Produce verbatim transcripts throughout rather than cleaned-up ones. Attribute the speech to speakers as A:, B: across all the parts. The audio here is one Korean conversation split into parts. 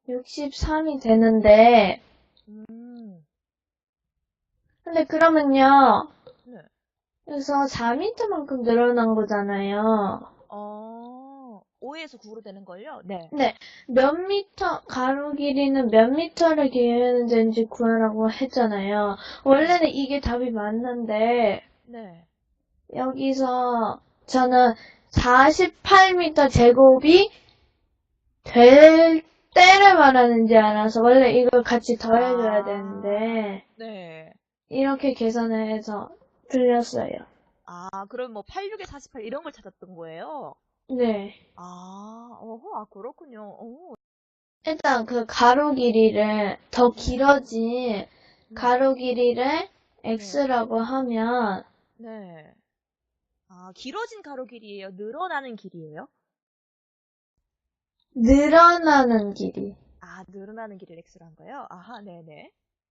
A: 육십삼이 되는데,
B: 음,
A: 근데 그러면요,
B: 네.
A: 그래서 사 미터만큼 늘어난 거잖아요.
B: 어, 오에서 구로 되는 걸요? 네.
A: 근데 몇 미터, 가로 길이는 몇 미터를 기울이는 데인지 구하라고 했잖아요.
B: 네.
A: 원래는 이게 답이 맞는데,
B: 네.
A: 여기서 저는 사십팔 미터 제곱이 될 때를 말하는지 알아서 원래 이걸 같이 더해줘야
B: 아,
A: 되는데,
B: 네.
A: 이렇게 계산을 해서 틀렸어요.
B: 아, 그럼 뭐 팔십육에 사십팔 이런 걸 찾았던 거예요?
A: 네.
B: 아, 어허, 아, 그렇군요. 오,
A: 일단 그 가로 길이를 더
B: 네.
A: 길어진
B: 네.
A: 가로 길이를
B: 네.
A: x라고 하면
B: 네. 아, 길어진 가로 길이에요? 늘어나는 길이에요?
A: 늘어나는 길이.
B: 아, 늘어나는 길이를 x로 한 거예요? 아하, 네네.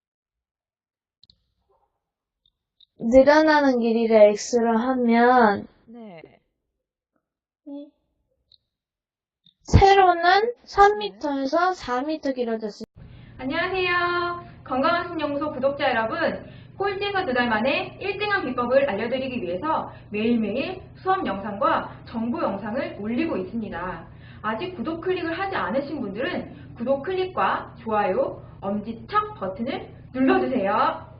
A: 늘어나는 길이를 x로 하면
B: 네.
A: 세로는
B: 네.
A: 삼 미터에서 사 미터 길어졌어요.
C: 안녕하세요. 건강한 신연구소 구독자 여러분. 꼴찌에서 두 달 만에 일 등한 비법을 알려드리기 위해서 매일매일 수업 영상과 정보 영상을 올리고 있습니다. 아직 구독 클릭을 하지 않으신 분들은 구독 클릭과 좋아요, 엄지척 버튼을 눌러주세요.